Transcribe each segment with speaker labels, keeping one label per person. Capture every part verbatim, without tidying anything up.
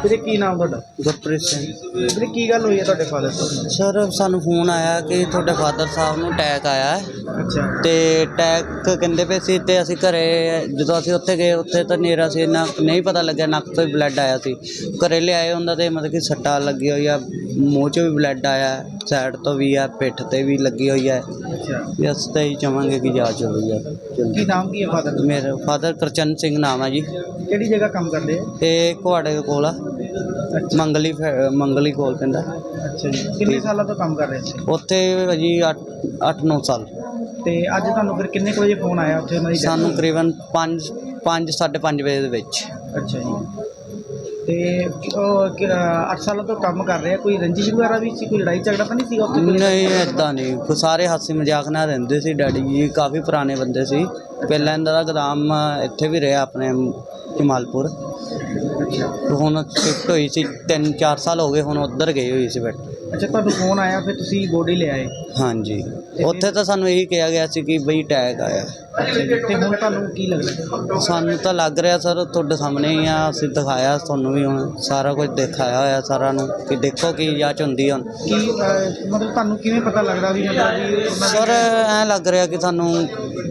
Speaker 1: ਵੀਰੇ ਕੀ ਨਾਮ ਤੁਹਾਡਾ?
Speaker 2: ਗੁਰਪ੍ਰੀਤ ਸਿੰਘ।
Speaker 1: ਵੀਰੇ ਕੀ ਗੱਲ ਹੋਈ ਹੈ ਤੁਹਾਡੇ ਫਾਦਰ ਸਾਹਿਬ
Speaker 2: ਸਰ ਸਾਨੂੰ ਫੋਨ ਆਇਆ ਕਿ ਤੁਹਾਡੇ ਫਾਦਰ ਸਾਹਿਬ ਨੂੰ ਅਟੈਕ ਆਇਆ ਹੈ
Speaker 1: ਨੂੰ? ਅੱਛਾ
Speaker 2: ਤੇ ਅਟੈਕ ਕਹਿੰਦੇ ਪਏ ਸੀ ਤੇ ਅਸੀਂ ਘਰੇ ਜਦੋਂ ਅਸੀਂ ਉੱਥੇ ਗਏ ਉੱਥੇ ਤਾਂ ਹਨੇਰਾ ਸੀ, ਇੰਨਾ ਨਹੀਂ ਪਤਾ ਲੱਗਿਆ, ਨੱਕ ਤੋਂ ਵੀ ਬਲੱਡ ਆਇਆ ਸੀ। ਘਰੇ ਲਿਆਏ ਹੁੰਦਾ ਤੇ ਮਤਲਬ ਕਿ ਸੱਟਾਂ ਲੱਗੀ ਹੋਈ ਆ, ਮੂੰਹ 'ਚੋਂ ਵੀ ਬਲੱਡ ਆਇਆ, ਸਾਈਡ ਤੋਂ ਵੀ ਆ, ਪਿੱਠ 'ਤੇ ਵੀ ਲੱਗੀ ਹੋਈ ਹੈ।
Speaker 1: ਅੱਛਾ
Speaker 2: ਵੀ ਅਸੀਂ ਤਾਂ ਇਹੀ ਚਾਹਾਂਗੇ ਕਿ ਜਾਂਚ ਹੋਈ ਆ
Speaker 1: ਕੀ
Speaker 2: ਜਲਦੀ।
Speaker 1: ਨਾਮ ਕੀ ਹੈ ਫਾਦਰ ਦਾ?
Speaker 2: ਮੇਰੇ ਫਾਦਰ ਕਰਚਨ ਸਿੰਘ ਨਾਮ ਹੈ ਜੀ।
Speaker 1: ਕਿਹੜੀ ਜਗ੍ਹਾ ਕੰਮ ਕਰਦੇ ਆ?
Speaker 2: ਇਹ ਕੁਹਾੜੇ ਦੇ ਕੋਲ ਆ, ਮੰਗਲੀ ਫੈ- ਮੰਗਲੀ ਕੋਲ ਪੈਂਦਾ।
Speaker 1: ਅੱਛਾ ਜੀ, ਕਿੰਨੇ ਸਾਲਾਂ ਤੋਂ ਕੰਮ ਕਰ ਰਹੇ ਸੀ?
Speaker 2: ਉੱਥੇ ਜੀ ਅੱਠ ਅੱਠ ਨੌ ਸਾਲ।
Speaker 1: ਤੇ ਅੱਜ ਤੁਹਾਨੂੰ ਫਿਰ ਕਿੰਨੇ ਕੁ ਵਜੇ ਫੋਨ ਆਇਆ ਉੱਥੇ ਉਹਨਾਂ ਦੀ death
Speaker 2: ਸਾਨੂੰ
Speaker 1: ਹੋਈ?
Speaker 2: ਤਕਰੀਬਨ ਪੰਜ ਪੰਜ ਸਾਢੇ ਪੰਜ ਵਜੇ ਦੇ ਵਿੱਚ।
Speaker 1: ਅੱਛਾ ਜੀ, ਤੇ ਉਹ ਕਿ- ਅੱਠ ਸਾਲਾਂ ਤੋਂ ਕੰਮ ਕਰ ਰਹੇ ਆ, ਕੋਈ ਰੰਜਿਸ਼ ਵਗੈਰਾ ਵੀ ਸੀ, ਕੋਈ ਲੜਾਈ ਝਗੜਾ ਤਾਂ ਨਹੀਂ ਸੀਗਾ ਉੱਥੇ?
Speaker 2: ਨਹੀਂ ਇੱਦਾਂ ਨਹੀਂ, ਕੋਈ ਸਾਰੇ ਹਾਸੀ ਮਜ਼ਾਕ ਨਾਲ ਰਹਿੰਦੇ ਸੀ। ਡੈਡੀ ਜੀ ਕਾਫੀ ਪੁਰਾਣੇ ਬੰਦੇ ਸੀ, ਪਹਿਲਾਂ ਇਹਨਾਂ ਦਾ ਗੋਦਾਮ ਇੱਥੇ ਵੀ ਰਿਹਾ ਆਪਣੇ ਜਮਾਲਪੁਰ।
Speaker 1: ਅੱਛਾ
Speaker 2: ਹੁਣ ਸ਼ਿਫਟ ਹੋਈ ਸੀ, ਤਿੰਨ ਚਾਰ ਸਾਲ ਹੋ ਗਏ ਹੁਣ ਉੱਧਰ ਗਈ ਹੋਈ ਸੀ ਬੈਠ।
Speaker 1: ਅੱਛਾ, ਤੁਹਾਨੂੰ ਫੋਨ ਆਇਆ ਫਿਰ ਤੁਸੀਂ ਬੋਡੀ ਲੈ ਆਏ?
Speaker 2: ਹਾਂਜੀ, ਉੱਥੇ ਤਾਂ ਸਾਨੂੰ ਇਹੀ ਕਿਹਾ ਗਿਆ ਸੀ ਕਿ ਬਈ ਅਟੈਕ ਆਇਆ।
Speaker 1: ਅੱਛਾ ਜੀ, ਤੇ ਹੁਣ ਤੁਹਾਨੂੰ ਕੀ ਲੱਗਦਾ?
Speaker 2: ਸਾਨੂੰ ਤਾਂ ਲੱਗ ਰਿਹਾ ਸਰ ਤੁਹਾਡੇ ਸਾਹਮਣੇ ਹੀ ਆ, ਅਸੀਂ ਦਿਖਾਇਆ ਤੁਹਾਨੂੰ ਵੀ, ਹੁਣ ਸਾਰਾ ਕੁਝ ਦਿਖਾਇਆ ਹੋਇਆ ਸਾਰਿਆਂ ਨੂੰ ਕਿ ਦੇਖੋ ਕੀ ਜਾਂਚ ਹੁੰਦੀ ਹੁਣ।
Speaker 1: ਕੀ ਅਹ, ਮਤਲਬ ਤੁਹਾਨੂੰ ਕਿਵੇਂ ਪਤਾ ਲੱਗਦਾ ਵੀ ਮਤਲਬ ਵੀ ਉਹਨਾਂ
Speaker 2: ਸਰ ਐਂ ਲੱਗ ਰਿਹਾ ਕਿ ਸਾਨੂੰ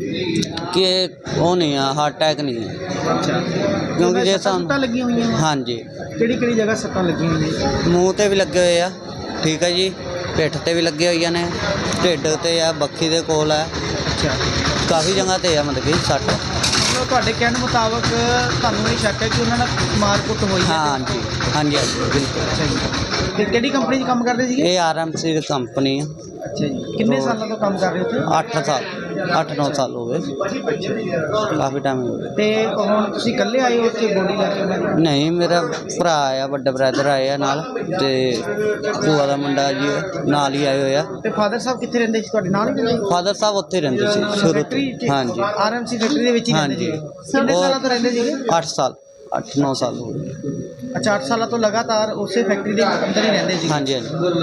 Speaker 2: ਕਿ ਇਹ ਉਹ ਨਹੀਂ ਆ, ਹਾਰਟ ਅਟੈਕ ਨਹੀਂ ਹੈ।
Speaker 1: ਅੱਛਾ,
Speaker 2: ਕਿਉਂਕਿ ਜੇ
Speaker 1: ਸੱਟਾਂ
Speaker 2: ਸਾਨੂੰ
Speaker 1: ਲੱਗੀਆਂ ਹੋਈਆਂ ਨੇ?
Speaker 2: ਹਾਂਜੀ,
Speaker 1: ਕਿਹੜੀ ਕਿਹੜੀ ਜਗ੍ਹਾ ਸੱਟਾਂ ਲੱਗੀਆਂ ਹੋਈਆਂ?
Speaker 2: ਮੂੰਹ ਤੇ ਵੀ ਲੱਗੇ ਹੋਏ ਆ, ਠੀਕ ਹੈ ਜੀ, ਪਿੱਠ ਤੇ ਵੀ ਲੱਗੇ ਹੋਈਆਂ ਨੇ, ਢਿੱਡ ਤੇ ਆ, ਬੱਖੀ ਦੇ ਕੋਲ ਆ,
Speaker 1: ਅੱਛਾ,
Speaker 2: ਕਾਫੀ ਜਗ੍ਹਾ ਤੇ ਆ ਮਤਲਬ ਕਿ ਸੱਟ।
Speaker 1: ਮਤਲਬ ਤੁਹਾਡੇ ਕਹਿਣ ਮੁਤਾਬਕ ਤੁਹਾਨੂੰ ਇਹ ਸ਼ੱਕ ਹੈ ਕਿ ਉਹਨਾਂ ਨਾਲ ਮਾਰ ਕੁੱਟ ਹੋਈ ਹੈ?
Speaker 2: ਹਾਂਜੀ ਹਾਂਜੀ ਹਾਂਜੀ ਬਿਲਕੁਲ।
Speaker 1: ਅੱਛਾ ਜੀ, ਤੇ ਕਿਹੜੀ ਕੰਪਨੀ 'ਚ ਕੰਮ ਕਰਦੇ ਸੀਗੇ?
Speaker 2: ਇਹ ਆਰ ਐਮ ਸੀ ਦੀ ਕੰਪਨੀ ਆ।
Speaker 1: ਅੱਛਾ ਜੀ, ਕਿੰਨੇ ਸਾਲਾਂ ਤੋਂ ਕੰਮ ਕਰ ਰਹੇ ਉੱਥੇ?
Speaker 2: ਅੱਠ ਸਾਲ ਅੱਠ ਨੌ ਸਾਲ ਹੋ ਗਏ, ਕਾਫੀ ਟਾਈਮ ਹੋ ਗਿਆ।
Speaker 1: ਤੇ ਹੁਣ ਤੁਸੀਂ ਇਕੱਲੇ ਆਏ ਹੋ ਉੱਥੇ ਬੋਡੀ ਲੈ ਕੇ ਉਹਨਾਂ ਦੀ?
Speaker 2: ਨਹੀਂ, ਮੇਰਾ ਭਰਾ ਆ, ਵੱਡਾ ਬ੍ਰਦਰ ਆਏ ਆ ਨਾਲ, ਤੇ ਭੂਆ ਦਾ ਮੁੰਡਾ ਜੀ ਨਾਲ ਹੀ ਆਏ ਹੋਏ ਆ।
Speaker 1: ਤੇ ਫਾਦਰ ਸਾਹਿਬ ਕਿੱਥੇ ਰਹਿੰਦੇ ਸੀ, ਤੁਹਾਡੇ ਨਾਲ ਹੀ ਰਹਿੰਦੇ?
Speaker 2: ਫਾਦਰ ਸਾਹਿਬ ਉੱਥੇ ਹੀ ਰਹਿੰਦੇ ਸੀ ਸ਼ੁਰੂ
Speaker 1: ਫੈਕਟਰੀ
Speaker 2: ਤੋਂ। ਹਾਂਜੀ
Speaker 1: ਆਰ ਐਮ ਸੀ ਫੈਕਟਰੀ ਦੇ ਵਿੱਚ ਹੀ ਰਹਿੰਦੇ
Speaker 2: ਹਾਂਜੀ।
Speaker 1: ਸੀ? ਕਿੰਨੇ ਸਾਲਾਂ ਤੋਂ ਰਹਿੰਦੇ ਸੀਗੇ?
Speaker 2: ਅੱਠ ਸਾਲ ਅੱਠ ਨੌ ਸਾਲ ਹੋ ਗਏ।
Speaker 1: ਅੱਛਾ, ਅੱਠ ਸਾਲਾਂ ਤੋਂ ਲਗਾਤਾਰ ਉਸੇ ਫੈਕਟਰੀ ਦੇ ਅੰਦਰ ਹੀ ਰਹਿੰਦੇ ਸੀ?
Speaker 2: ਹਾਂਜੀ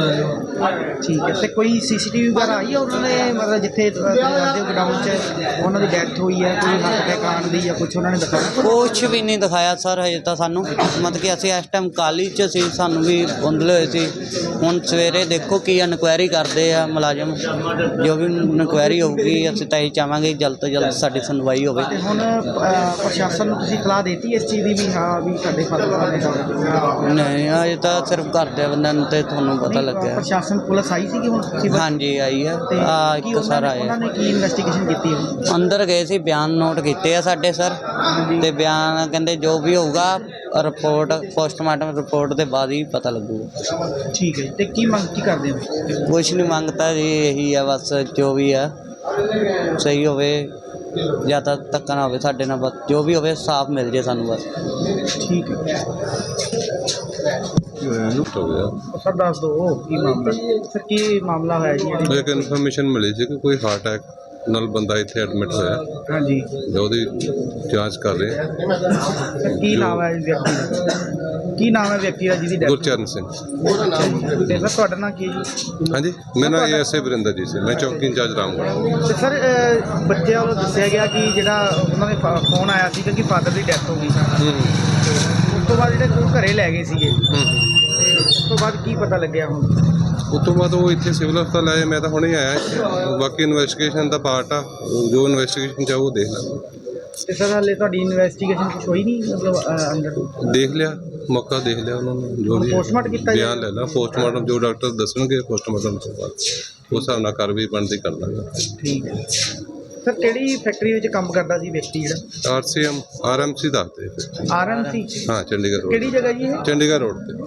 Speaker 2: ਹਾਂਜੀ।
Speaker 1: ਠੀਕ ਹੈ, ਤੇ ਕੋਈ ਸੀਸੀਟੀਵੀ ਵਗੈਰਾ ਆਈ ਹੈ ਉਹਨਾਂ ਨੇ, ਮਤਲਬ ਜਿੱਥੇ ਤੁਹਾਡੇ ਗੋਡਾਊਨ 'ਚ ਉਹਨਾਂ ਦੀ ਡੈਥ ਹੋਈ ਹੈ, ਕੋਈ ਹੱਥ ਅਟੈਕ ਆਉਣ ਦੀ ਜਾਂ ਕੁਝ ਉਹਨਾਂ ਨੇ ਦਿਖਾਇਆ?
Speaker 2: ਕੁਛ ਵੀ ਨਹੀਂ ਦਿਖਾਇਆ ਸਰ ਹਜੇ ਤਾਂ ਸਾਨੂੰ, ਮਤਲਬ ਕਿ ਅਸੀਂ ਇਸ ਟਾਈਮ ਕਾਲੀ 'ਚ ਸੀ, ਸਾਨੂੰ ਵੀ ਬੁੰਦਲੇ ਹੋਏ ਸੀ। ਹੁਣ ਸਵੇਰੇ ਦੇਖੋ ਕੀ ਇਨਕੁਆਇਰੀ ਕਰਦੇ ਆ ਮੁਲਾਜ਼ਮ, ਜੋ ਵੀ ਇਨਕੁਆਇਰੀ ਹੋਊਗੀ ਅਸੀਂ ਤਾਂ ਇਹ ਚਾਹਾਂਗੇ ਜਲਦ ਤੋਂ ਜਲਦ ਸਾਡੀ ਸੁਣਵਾਈ ਹੋਵੇ।
Speaker 1: ਤੇ ਹੁਣ ਅਹ, ਪ੍ਰਸ਼ਾਸਨ ਨੂੰ ਤੁਸੀਂ ਸਲਾਹ ਦੇਤੀ ਇਸ ਚੀਜ਼ ਦੀ ਵੀ ਹਾਂ ਵੀ ਸਾਡੇ ਫਾਦਰ ਸਾਹਿਬ ਨੇ ਕੰਮ?
Speaker 2: ਨਹੀਂ, ਅਜੇ ਤਾਂ ਸਿਰਫ ਘਰ ਦੇ ਬੰਦਿਆਂ ਨੂੰ ਤੇ ਤੁਹਾਨੂੰ ਪਤਾ ਲੱਗਿਆ।
Speaker 1: ਪ੍ਰਸ਼ਾਸਨ ਪੁਲਿਸ ਆਈ ਸੀ ਕਿ ਹੁਣ ਤੁਸੀਂ?
Speaker 2: ਹਾਂਜੀ ਆਈ ਆ,
Speaker 1: ਤੇ
Speaker 2: ਆ
Speaker 1: ਕੀ
Speaker 2: ਇੱਕ
Speaker 1: ਉਹਨਾਂ
Speaker 2: ਸਰ
Speaker 1: ਨੇ
Speaker 2: ਆਏ
Speaker 1: ਉਹਨਾਂ ਨੇ ਕੀ ਇਨਵੈਸਟੀਗੇਸ਼ਨ ਕੀਤੀ ਹੈ?
Speaker 2: ਅੰਦਰ ਗਏ ਸੀ, ਬਿਆਨ ਨੋਟ ਕੀਤੇ ਆ ਸਾਡੇ ਸਰ, ਤੇ ਬਿਆਨ ਕਹਿੰਦੇ ਜੋ ਵੀ ਹੋਊਗਾ ਰਿਪੋਰਟ ਪੋਸਟਮਾਰਟਮ ਰਿਪੋਰਟ ਦੇ ਬਾਅਦ ਹੀ ਪਤਾ ਲੱਗੂਗਾ।
Speaker 1: ਠੀਕ ਹੈ ਜੀ, ਤੇ ਕੀ ਮੰਗ ਕੀ ਕਰਦੇ ਹੋ?
Speaker 2: ਕੁਛ ਨਹੀਂ ਮੰਗਤਾ ਜੀ, ਇਹੀ ਆ ਬਸ, ਜੋ ਵੀ ਆ ਸਹੀ ਹੋਵੇ, ਜਾਂ ਤਾਂ ਧੱਕਾ ਨਾ ਹੋਵੇ ਸਾਡੇ ਨਾਲ, ਬਸ ਜੋ ਵੀ ਹੋਵੇ ਸਾਫ਼ ਮਿਲ ਜੇ ਸਾਨੂੰ ਬਸ।
Speaker 1: ਠੀਕ ਹੈ
Speaker 3: ਲੁੱਟ ਹੋ ਗਿਆ।
Speaker 1: ਸਰ, ਦੱਸ ਦਿਓ ਕੀ ਮਾਮਲਾ ਸਰ, ਕੀ ਮਾਮਲਾ ਹੋਇਆ ਜੀ ਇਹਦੇ?
Speaker 3: ਇੱਕ ਇਨਫੋਰਮੇਸ਼ਨ ਮਿਲੀ ਸੀ ਕਿ ਕੋਈ ਹਾਰਟ ਅਟੈਕ ਨਾਲ ਬੰਦਾ ਇੱਥੇ ਐਡਮਿਟ ਹੋਇਆ,
Speaker 1: ਹਾਂਜੀ
Speaker 3: ਜੋ ਉਹਦੀ ਜਾਂਚ ਕਰ ਰਹੇ ਆ।
Speaker 1: ਸਰ, ਕੀ ਨਾਮ ਹੈ ਇਸ ਵਿਅਕਤੀ ਦਾ? ਕੀ ਨਾਮ ਹੈ ਵਿਅਕਤੀ ਦਾ ਜਿਹਦੀ ਡੈਥ?
Speaker 3: ਗੁਰਚਰਨ ਸਿੰਘ।
Speaker 1: ਤੇ ਸਰ ਤੁਹਾਡਾ ਨਾਮ ਕੀ ਹੈ ਜੀ?
Speaker 3: ਹਾਂਜੀ, ਮੇਰਾ ਨਾਮ ਐਸ ਏ ਵਰਿੰਦਰ ਜੀ ਸੀ, ਮੈਂ ਚੌਕੀ ਇੰਚਾਰਜ ਰਾਮਗੜ੍ਹ।
Speaker 1: ਤੇ ਸਰ ਅਹ, ਬੱਚਿਆਂ ਵੱਲੋਂ ਦੱਸਿਆ ਗਿਆ ਕਿ ਜਿਹੜਾ ਉਹਨਾਂ ਦੇ ਫੋਨ ਆਇਆ ਸੀ ਕਿ ਫਾਦਰ ਦੀ ਡੈਥ ਹੋ ਗਈ ਸੀ,
Speaker 3: ਹੂੰ
Speaker 1: ਉਸ ਤੋਂ ਬਾਅਦ ਜਿਹੜੇ ਉਹ ਘਰੇ ਲੈ ਗਏ ਸੀਗੇ,
Speaker 3: ਹੂੰ
Speaker 1: ਤੇ ਉਸ ਤੋਂ ਬਾਅਦ ਕੀ ਪਤਾ ਲੱਗਿਆ ਹੁਣ?
Speaker 3: ਉਸ ਤੋਂ ਬਾਅਦ ਉਹ ਇੱਥੇ ਸਿਵਲ ਹਸਪਤਾਲ ਆਏ, ਮੈਂ ਤਾਂ ਹੁਣੇ ਆਇਆ ਇੱਥੇ। ਬਾਕੀ ਇਨਵੈਸਟੀਗੇਸ਼ਨ ਦਾ ਪਾਰਟ ਆ, ਜੋ ਇਨਵੈਸਟੀਗੇਸ਼ਨ ਚਾਹੋ ਉਹ ਦੇਖ ਲਾਂਗੇ।
Speaker 1: ਤੇ ਸਰ ਹਾਲੇ ਤੁਹਾਡੀ ਇਨਵੈਸਟੀਗੇਸ਼ਨ ਕੁਛ ਹੋਈ ਨਹੀਂ, ਮਤਲਬ ਅਹ, ਅੰਡਰ
Speaker 3: ਦੇਖ ਲਿਆ, ਮੌਕਾ ਦੇਖ ਲਿਆ ਉਹਨਾਂ ਨੂੰ, ਜੋ ਵੀ
Speaker 1: ਪੋਸਟਮਾਰਟਮ ਕੀਤਾ ਜੀ?
Speaker 3: ਬਿਆਨ ਲੈ ਲਾ, ਪੋਸਟਮਾਰਟਮ ਜੋ ਡਾਕਟਰ ਦੱਸਣਗੇ ਪੋਸਟਮਾਰਟਮ ਤੋਂ ਬਾਅਦ ਉਸ ਹਿਸਾਬ ਨਾਲ ਕਾਰਵਾਈ ਬਣਦੀ ਕਰ ਦਾਂਗੇ।
Speaker 1: ਠੀਕ ਹੈ ਸਰ, ਕਿਹੜੀ ਫੈਕਟਰੀ ਵਿੱਚ ਕੰਮ ਕਰਦਾ ਸੀ ਵਿਅਕਤੀ ਜਿਹੜਾ?
Speaker 3: R C M R M C ਦੱਸਦੇ।
Speaker 1: R M C?
Speaker 3: ਹਾਂ, ਚੰਡੀਗੜ੍ਹ ਰੋਡ।
Speaker 1: ਕਿਹੜੀ ਜਗ੍ਹਾ ਜੀ ਇਹ?
Speaker 3: ਚੰਡੀਗੜ੍ਹ ਰੋਡ ਤੇ।